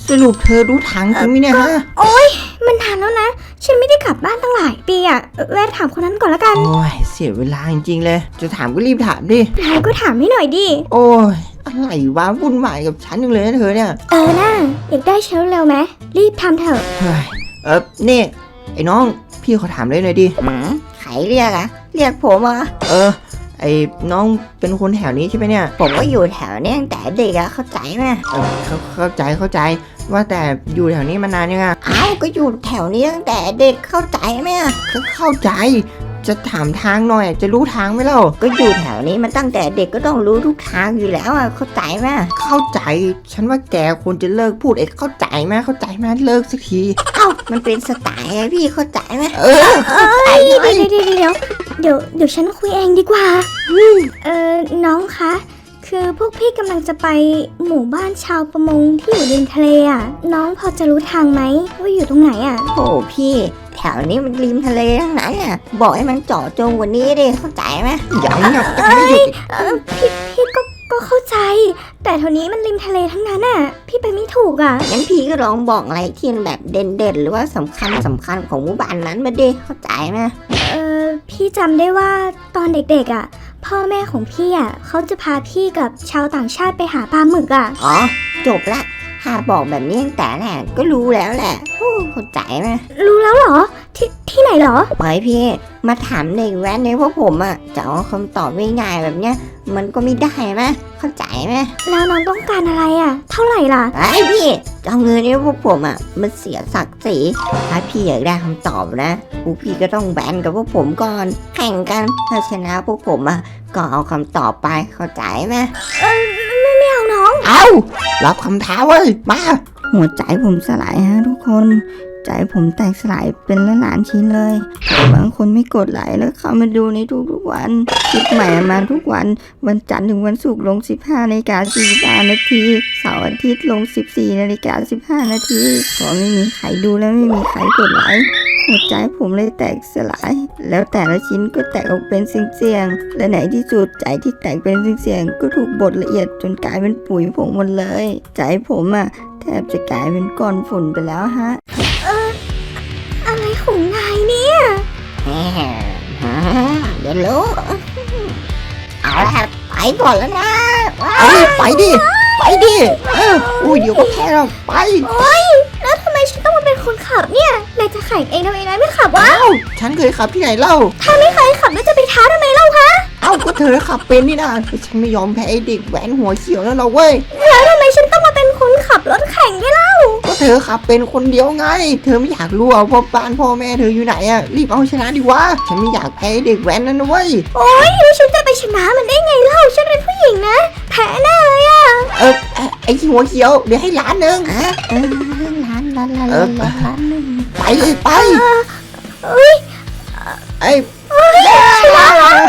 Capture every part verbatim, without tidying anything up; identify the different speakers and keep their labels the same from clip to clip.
Speaker 1: สรุปเธอรู้ทางจริงไหมเนี่ยฮะ
Speaker 2: โอ๊ยมันนานแล้วนะฉันไม่ได้กลับบ้านตั้งหลายปีอะแวะถามคนนั้นก่อนละกัน
Speaker 1: โอ้ยเสียเวลาจริงๆเลยจะถามก็รีบถามดิ
Speaker 2: นายก็ถามให้หน่อยดิ
Speaker 1: โอ้ยอะไรวะวุ่นวายกับฉันจังเลยนะเธอเนี่ย
Speaker 2: เออน่าอยากได้เชลเร็วไหมรีบทำเถอะ
Speaker 1: เฮ้ยเออนี่ไอ้น้องพี่ขอถามเลยหน่อยดิ
Speaker 3: หืมใครเรียกอะเรียกผมเหรอ
Speaker 1: เออไอ้น้องเป็นคนแถวนี้ใช่ไหมเนี่ย
Speaker 3: ผมก็อยู่แถวนี้ตั้งแต่เด็กอะเข้าใจไหม
Speaker 1: เออเข้าเข้าใจเข้าใจว่าแต่อยู่แถวนี้มานานยังไง
Speaker 3: เอ้าก็อยู่แถวนี้ตั้งแต่เด็กเข้าใจไหม
Speaker 1: ก็เข้าใจจะถามทางหน่อยจะรู้ทางไหมเล่า
Speaker 3: ก็อยู่แถวนี้มันตั้งแต่เด็กก็ต้องรู้ทุกทางอยู่แล้วอะเข้าใจไหม
Speaker 1: เข้าใจฉันว่าแกควรจะเลิกพูดเอ็กเข้าใจไหมเข้าใจไหมเลิกสักที
Speaker 3: เอ้ามันเป็นสไตล์พี่เข้าใจไหม
Speaker 1: เออเข้าใจ
Speaker 2: เดี๋ยวเดี๋ยวเดี๋ยวเดี๋ยวเดี๋ยวฉันคุยเองดีกว่าเออน้องคะคือพวกพี่กำลังจะไปหมู่บ้านชาวประมงที่อยู่ริมทะเลอ่ะน้องพอจะรู้ทางไหมว่าอยู่ตรงไหนอ่ะ
Speaker 3: โอ้พี่แถวนี้มันริมทะเลทั้งนั้นอ่ะบอกให้มันเจาะจงกว่านี้ดิเข้าใจไหม
Speaker 1: อย่างนี้
Speaker 2: เอ้ยเออพี่พี่ก็ก็เข้าใจแต่แถวนี้มันริมทะเลทั้งนั้นอ่ะพี่ไปไม่ถูกอ่ะ
Speaker 3: งั้นพี่ก็ลองบอกอะไรที่แบบเด่นๆหรือว่าสำคัญสำคัญของหมู่บ้านนั้นมาดิเข้าใจไหม
Speaker 2: เออพี่จำได้ว่าตอนเด็กๆอ่ะพ่อแม่ของพี่อ่ะเขาจะพาพี่กับชาวต่างชาติไปหาปลาหมึกอ่ะ
Speaker 3: อ๋อจบละหากบอกแบบนี้ตั้งแต่แรกก็รู้แล้วแหละเข้าใจไหม
Speaker 2: รู้แล้วเหรอที่ที่ไหนเหรอ
Speaker 3: เฮ้ยพี่มาถามเด็กแว้นในพวกผมอ่ะจะเอาคำตอบง่ายๆแบบเนี้ยมันก็ไม่ได้ไหมเข้าใจไหม
Speaker 2: แล้วน้องต้องการอะไรอ่ะเท่าไหร่ล่ะ
Speaker 3: ไอ้พี่จะเอาเงินในพวกผมอ่ะมันเสียศักดิ์ศรีถ้าพี่อยากได้คำตอบนะพวกพี่ก็ต้องแบนกับพวกผมก่อนแข่งกันถ้าชนะพวกผมอ่ะก็เอาคำตอบไปเข้าใจไหม
Speaker 2: เออไม่ไม่เอาน้อง
Speaker 1: เอารับคำท้าเว้ยมา
Speaker 3: หัวใจผมสลายฮะทุกคนใจผมแตกสลายเป็นละล้านชิ้นเลยบางคนไม่กดไลค์แล้วเข้ามาดูในทุกๆวันคลิปใหม่มาทุกวันวันจันทร์ถึงวันศุกร์ลงสิบห้านาฬิกาสี่สิบห้านาทีเสาร์อาทิตย์ลงสิบสี่นาฬิกาสิบห้านาทีพอไม่มีใครดูแล้วไม่มีใครกดไลค์หัวใจผมเลยแตกสลายแล้วแต่ละชิ้นก็แตกออกเป็นเสียงๆและไหนที่สุดใจที่แตกเป็นเสียงๆก็ถูกบดละเอียดจนกลายเป็นปุ๋ยผงหมดเลยใจผมอะแทบจะกลายเป็นก้อนฝุ่นไปแล้วฮะ
Speaker 2: เอออะไรของนายเนี่ย
Speaker 3: เดี๋ยวรู้เอาละไปก่อนแล้วนะ
Speaker 1: ไปดิไปดิเอออุ้ยเดี๋ยวก็แพ้เราไป
Speaker 2: โอ้ยแล้วทำไมฉันต้องมาเป็นคนขับเนี่ยนายจะแข่งเองทำไมนายไม่ขับวะ
Speaker 1: ฉันเคยขับที่ไหนเล่า
Speaker 2: ถ้าไม่เคยขับแล้วจะไปท้าทำไมเล่าคะ
Speaker 1: เอ้าก็เธอขับเป็นนี่นะฉันไม่ยอมแพ้ไอ้เด็กแหวนหัวเขียวนั่นหรอกเว้ย
Speaker 2: แล้วทำไมฉันต้องมาเป็นคนขับรถแข่งด้วยเล่า
Speaker 1: ก็เธอขับเป็นคนเดียวไงเธอไม่อยากรู้ว่าพ่อบ้านพ่อแม่เธออยู่ไหนอ่ะรีบเอาชนะดีวะฉันไม่อยากแพ้เด็กแหวนนั่นนะเว้ย
Speaker 2: โอ๊ยฉันจะไปชนะมันได้ไงเล่าฉันเป็นผู้หญิงนะแพ้แน่เลยอ่ะ
Speaker 1: เออไอ้หัวเขียวเดี๋ยวให้ล้านหนึ่ง
Speaker 3: เออล้านล้านล้านล้านหนึ่ง
Speaker 1: ไปเลยไป
Speaker 2: เอ้ย
Speaker 1: ไอ้ชนะ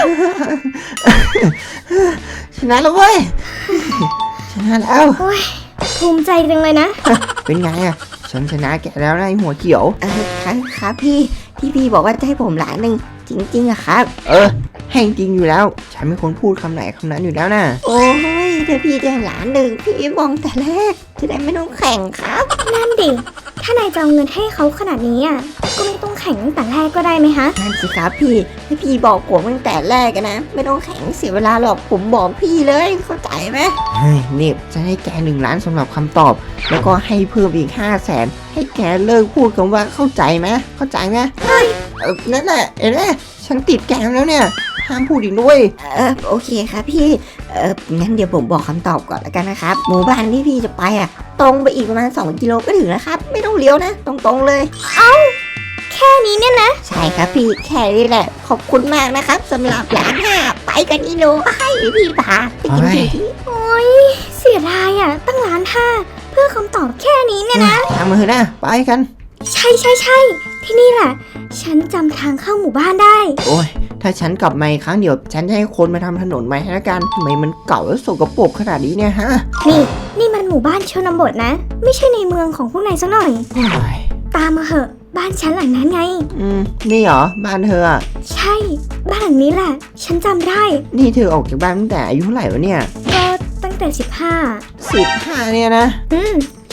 Speaker 1: ชนะแล้วเว้ยชนะแล้ว
Speaker 2: โอ้ยภูมิใจจังเลยนะ
Speaker 1: เป็นไงอ่ะฉันชนะแกแล้วนะไอ้หัวเขียว
Speaker 3: เออครับครับพี่ที่พี่บอกว่าจะให้ผมล้านหนึ่งจริงๆอะครับ
Speaker 1: เออให้จริงอยู่แล้วฉันเป็นคนพูดคำไหนคำนั้นอยู่แล้วนะ
Speaker 3: โอ้ยถ้าพี่ได้ล้านหนึ่งพี่มองแต่แรกจะได้ไม่ต้องแข่งครับ
Speaker 2: นั่นดิถ้านายจะเอาเงินให้เขาขนาดนี้อ่ะก็ไม่ต้องแข่งตั้งแต่แรกก็ได้ไหมฮะ
Speaker 3: นั่นสิครับพี่ถ้าพี่บอกผมตั้งแต่แรกนะไม่ต้องแข่งเสียเวลาหรอกผมบอกพี่เลยเข้าใจไหม
Speaker 1: เฮ้ยนี่จะให้แกหนึ่งล้านสำหรับคำตอบแล้วก็ให้เพิ่มอีกห้าแสนให้แกเลิกพูดคำว่าเข้าใจไหมเข้าใจไหม
Speaker 2: เฮ้ย
Speaker 1: เออนั่นแหละเห็นไหมฉันติดแกมแล้วเนี่ยห้ามพูดอีกด้วย
Speaker 3: เออโอเคครับพี่เอองั้นเดี๋ยวผมบอกคำตอบก่อนแล้วกันนะครับหมู่บ้านที่พี่จะไปอ่ะตรงไปอีกประมาณสองกิโลก็ถึงแล้วครับไม่ต้องเลี้ยวนะตรงๆเลย
Speaker 2: เอ้าแค่นี้เนี่ยนะ
Speaker 3: ใช่ครับพี่แค่นี้แหละขอบคุณมากนะครับสำหรับล้านห้าไปกันอีโนให้พี่พาไปกินที
Speaker 2: โอ้ยเสียดายอ่ะตั้งล้านห้าเพื่อคำตอบแค่นี้เนี่ยนะ
Speaker 1: ทำมือนะไปกัน
Speaker 2: ใช่ใช่ใช่ที่นี่แหละฉันจำทางเข้าหมู่บ้านได้
Speaker 1: โอ้ยถ้าฉันกลับมาอีกครั้งเดี๋ยวฉันจะให้คนมาทำถนนใหม่ให้ละกันทำไมมันเก่าแล้วสกปรกขนาดนี้เนี่ยฮะ
Speaker 2: นี่นี่มันหมู่บ้านชนบทนะไม่ใช่ในเมืองของพวกนายซะหน่อยตามมาเหอะบ้านฉันหลังนั้นไง
Speaker 1: อืมนี่เหรอบ้านเธออ่ะ
Speaker 2: ใช่บ้านหลังนี้แหละฉันจำได้
Speaker 1: นี่เธอออกจากบ้านตั้งแต่อายุเท่าไหร่วะเนี่ย
Speaker 2: ก็ตั้งแต่สิบห้า
Speaker 1: สิบห้าเนี่ยนะ
Speaker 2: อืม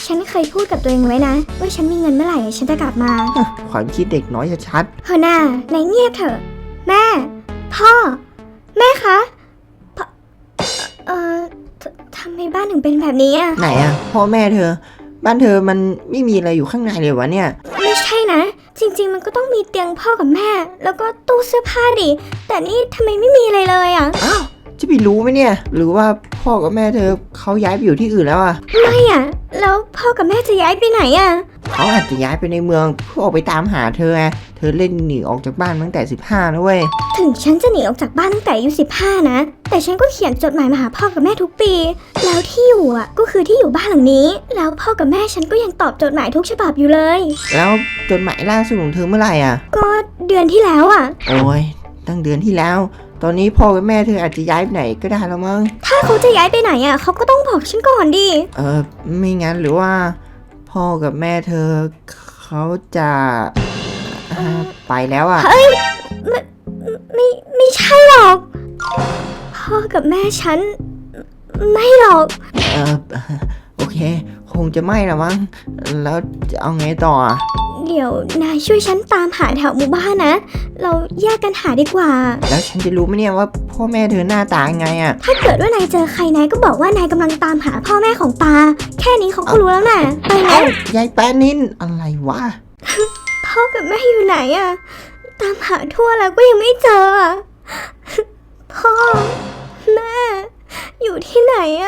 Speaker 2: ฉันเคยพูดกับตัวเองไว้นะ ว่าฉันมีเงินเมื่อไหร่ฉันจะกลับมา
Speaker 1: ความคิดเด็กน้อยชัด
Speaker 2: เฮอหน้านายเงียบเถอะ แม่ พ่อ แม่คะพ่อเอ่อททำไมบ้านถึงเป็นแบบนี้อ่ะ
Speaker 1: ๆไหนอะพ่อแม่เธอ บ้านเธอมันไม่มีอะไรอยู่ข้างในเลยวะเนี่ย
Speaker 2: ไม่ใช่นะ จริง ๆ มันก็ต้องมีเตียงพ่อกับแม่ แล้วก็ตู้เสื้อผ้าดิแต่นี่ทำไมไม่มีอะไรเลยอ่ะ
Speaker 1: อ้าวจะไปรู้ไหมเนี่ย หรือว่าพ่อกับแม่เธอเขาย้ายไปอยู่ที่อื่นแล้วอะ
Speaker 2: ไม่อ่ะ แล้วพ่อกับแม่จะย้ายไปไหนอ่ะ
Speaker 1: เขาอาจจะย้ายไปในเมืองเพื่อออกไปตามหาเธอไงเธอเล่นหนีออกจากบ้านมาตั้งแต่สิบห้านะเว้ย
Speaker 2: ถึงฉันจะหนีออกจากบ้านตั้งแต่อายุสิบห้านะ แต่ฉันก็เขียนจดหมายมาหาพ่อกับแม่ทุกปี แล้วที่อยู่อ่ะก็คือที่อยู่บ้านหลังนี้ แล้วพ่อกับแม่ฉันก็ยังตอบจดหมายทุกฉบับอยู่เลย
Speaker 1: แล้วจดหมายล่าสุดของเธอเมื่อไหร่อะ
Speaker 2: ก็เดือนที่แล้วอ่ะ
Speaker 1: โอ้ยตั้งเดือนที่แล้ว ตอนนี้พ่อกับแม่เธออาจจะย้ายไปไหนก็ได้แล้วมั้ง
Speaker 2: ถ้าเขาจะย้ายไปไหนอ่ะเขาก็ต้องบอกฉันก่อนดิ
Speaker 1: เออไม่งั้นหรือว่า พ่อกับแม่เธอเขาจะอ่าไปแล้วอะ
Speaker 2: ไม่ไม่ไม่ใช่หรอก พ่อกับแม่ฉัน ไม่หรอก
Speaker 1: เออโอเค คงจะไม่ละมั้งแล้วจะเอาไงต่ออะ
Speaker 2: เดี๋ยวนายช่วยฉันตามหาแถวหมู่บ้านนะ เราแยกกันหาดีกว่า
Speaker 1: แล้วฉันจะรู้ไหมเนี่ยว่าพ่อแม่เธอหน้าตายังไงอะ
Speaker 2: ถ้าเกิดว่านายเจอใครนายก็บอกว่านายกำลังตามหาพ่อแม่ของปา แค่นี้เขาก็รู้แล้วน่ะ ไปแล้
Speaker 1: เอ้าว ยายแป้นินอะไรวะ
Speaker 2: พ่อกับแม่อยู่ไหนอะตามหาทั่วแล้วก็ยังไม่เจออะพ่อ แม่ อยู่ที่ไหนอะ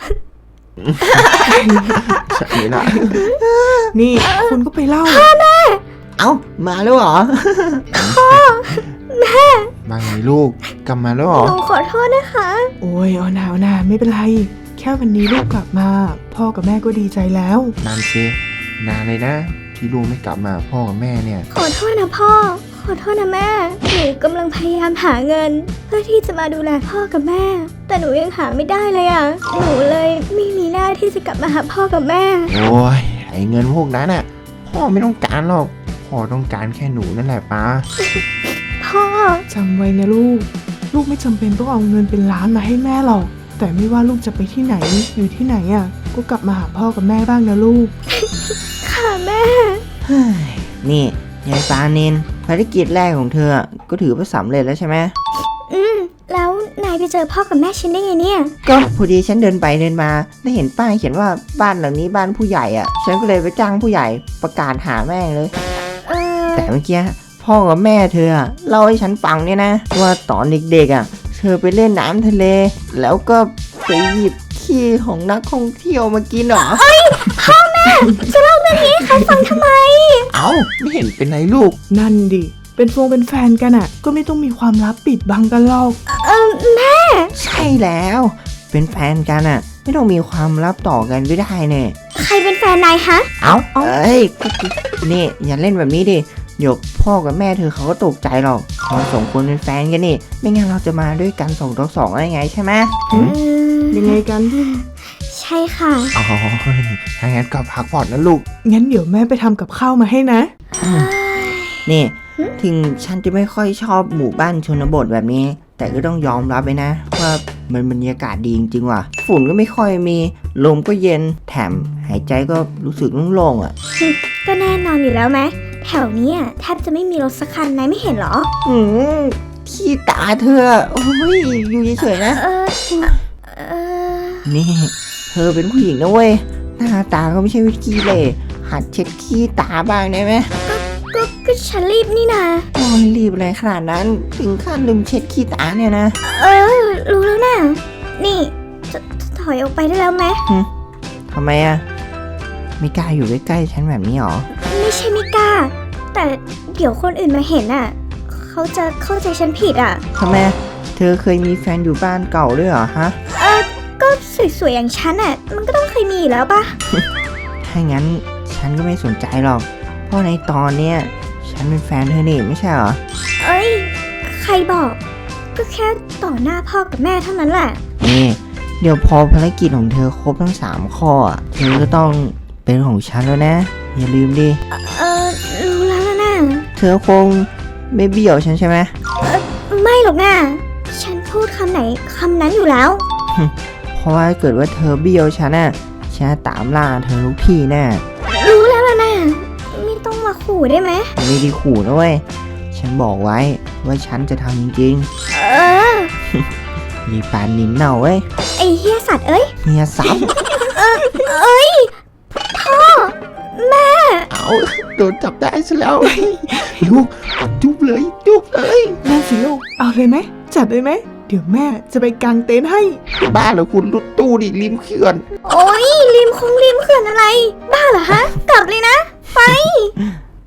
Speaker 1: ใช่ละ
Speaker 4: นี่คุณก็ไปเล่า
Speaker 1: เอ้ามาแล้วเหรอ
Speaker 5: มาไงลูกกลับมาแล้วเหรอ
Speaker 2: หนูขอโทษนะคะ
Speaker 4: โอ้ยเอาหนาวนาไม่เป็นไร แค่วันนี้ลูกกลับมา พ่อกับแม่ก็ดีใจแล้ว
Speaker 5: นานสินานเลยนะ ที่ลูกไม่กลับมาพ่อกับแม่เนี่ย
Speaker 2: ขอโทษนะพ่อ ขอโทษนะแม่ หนูกำลังพยายามหาเงิน เพื่อที่จะมาดูแลพ่อกับแม่ แต่หนูยังหาไม่ได้เลยอะหนูเลยไม่มีหน้าที่จะกลับมาหาพ่อกับแม่
Speaker 5: โอ้ยไอเงินพวกนั้นอ่ะ พ่อไม่ต้องการหรอก พ่อต้องการแค่หนูนั่นแหละป้า
Speaker 2: พ่อ
Speaker 4: จำไว้นะลูก ลูกไม่จำเป็นต้องเอาเงินเป็นล้านมาให้แม่หรอก แต่ไม่ว่าลูกจะไปที่ไหนอยู่ที่ไหนอ่ะ ก็กลับมาหาพ่อกับแม่บ้างนะลูก
Speaker 2: ค่ะแม่
Speaker 1: เฮ้ยนี่ยายปานินภารกิจแรกของเธอก็ถือว่าสำเร็จแล้วใช่ไหม
Speaker 2: อืม แล้วนายไปเจอพ่อกับแม่ฉันได้ไงเนี่ย
Speaker 1: ก็พอดีฉันเดินไปเดินมาได้เห็นป้ายเขียนว่าบ้านหลังนี้บ้านผู้ใหญ่อ่ะ ฉันก็เลยไปจ้างผู้ใหญ่ประกาศหาแม่งเลย
Speaker 2: เออ
Speaker 1: แต่เมื่อกี้พ่อกับแม่เธออะเล่าให้ฉันฟังเนี่ยนะ ว่าตอนเด็กๆอ่ะ เธอไปเล่นน้ำทะเล แล้วก็ไปหยิบขี้ของนักท่องเที่ยวมากินเหรอ
Speaker 2: จะเล่าเรื่องนี้ให้ใครฟังทำไม
Speaker 5: เอ้าไม่เห็นเป็นไรลูก
Speaker 4: นั่นดิ เป็นฟงเป็นแฟนกันอ่ะ ก็ไม่ต้องมีความลับปิดบังกันหรอก
Speaker 2: เออแม่
Speaker 1: ใช่แล้ว เป็นแฟนกันอ่ะ ไม่ต้องมีความลับต่อกันไม่ได้เนี่ย
Speaker 2: ใครเป็นแฟนนายฮะ
Speaker 1: เอ้าเอ้ยนี่อย่าเล่นแบบนี้ดิเดี๋ยวพ่อกับแม่เธอเขาก็ตกใจหรอกเราสองคนเป็นแฟนกันนี่ ไม่งั้นเราจะมาด้วยกันสองต่อสองได้ไงใช่ไหม
Speaker 2: เออ
Speaker 4: ยังไงกัน
Speaker 2: ใช่ค่ะ
Speaker 5: อ๋อถ้างั้นก็พักผ่อนนะลูก
Speaker 4: งั้นเดี๋ยวแม่ไปทำกับข้าวมาให้นะ
Speaker 1: นี่ ถึงฉันจะไม่ค่อยชอบหมู่บ้านชนบทแบบนี้ แต่ก็ต้องยอมรับไปนะ ว่ามันบรรยากาศดีจริงๆว่ะ ฝุ่นก็ไม่ค่อยมี ลมก็เย็น แถมหายใจก็รู้สึกโล่งๆอ่ะ
Speaker 2: ก็แน่นอนอยู่แล้วไหม แถวเนี้ยแทบจะไม่มีรถสักคันนายไม่เห็นเหรอ
Speaker 1: อืมขี้ตาเธอ โอ้ย อยู่เฉยๆนะ
Speaker 2: เออ เออ
Speaker 1: นี่ เธอเป็นผู้หญิงนะเว้ย หน้าตาก็ไม่ใช่วิขี้เหร่หัดเช็ดขี้ตาบ้างได้ไหม
Speaker 2: ก็ก็ฉันรีบนี่นา
Speaker 1: โอ้ยรีบอะไรขนาดนั้น ถึงขั้นลืมเช็ดขี้ตาเนี่ยนะ
Speaker 2: เออ รู้แล้วนะนี่จะจะถอยออกไปได้แล้วไหม
Speaker 1: ทำไมอะไม่กล้าอยู่ใกล้ๆฉันแบบนี้หรอ
Speaker 2: ไม่ใช่ไม่กล้า แต่เดี๋ยวคนอื่นมาเห็นอ่ะ เขาจะเข้าใจฉันผิดอ่ะ
Speaker 1: ทำไม เธอเคยมีแฟนอยู่บ้านเก่าด้วยเหรอฮะ
Speaker 2: เออ ก็สวยๆอย่างฉันอ่ะ มันก็ต้องเคยมีอยู่แล้วปะ
Speaker 1: ถ้างั้นฉันก็ไม่สนใจหรอก เพราะในตอนเนี้ยฉันเป็นแฟนเธอนี่ไม่ใช่เหรอ
Speaker 2: เอ้ย ใครบอก ก็แค่ต่อหน้าพ่อกับแม่เท่านั้นแหละ
Speaker 1: นี่ เดี๋ยวพอภารกิจของเธอครบทั้งสามข้ออะเธอก็ต้องเป็นของฉันแล้วนะ อย่าลืมดิ
Speaker 2: เออ รู้แล้วนะ
Speaker 1: เธอคงไม่เบี้ยวฉันใช่ไหม
Speaker 2: ไม่หรอกนะฉันพูดคำไหนคำนั้นอยู่แล้ว
Speaker 1: เพราะว่าเกิดว่าเธอเบี้ยวฉันน่ะ ฉันฉันจะตามล่าเธอทุกที่แน่
Speaker 2: รู้แล้วล่ะนะไม่ต้องมาขู่ได้ไหม
Speaker 1: ไม่ได้ขู่นะเว้ยฉันบอกไว้ว่าฉันจะทำจริง
Speaker 2: เออ
Speaker 1: ๆมีปานนินเน่าเว้ย
Speaker 2: ไอเฮียสัตว์เอ้ย
Speaker 1: เฮียซ้ำ
Speaker 2: เอ้ย พ่อ แม่
Speaker 5: เอาโดนจับได้ซะแล้ว ลูกจุ๊บเลยจุ๊บเลย
Speaker 4: นั่นสิลูก เอาเลยไหม จัดเลยไหม เดี๋ยวแม่จะไปกางเต็นท์ให้
Speaker 5: บ้าเหรอคุณรถตู้ดิริมเขื่อน
Speaker 2: โอ้ยริมคงริมเขื่อนอะไร บ้าเหรอฮะ กลับเลยนะ ไป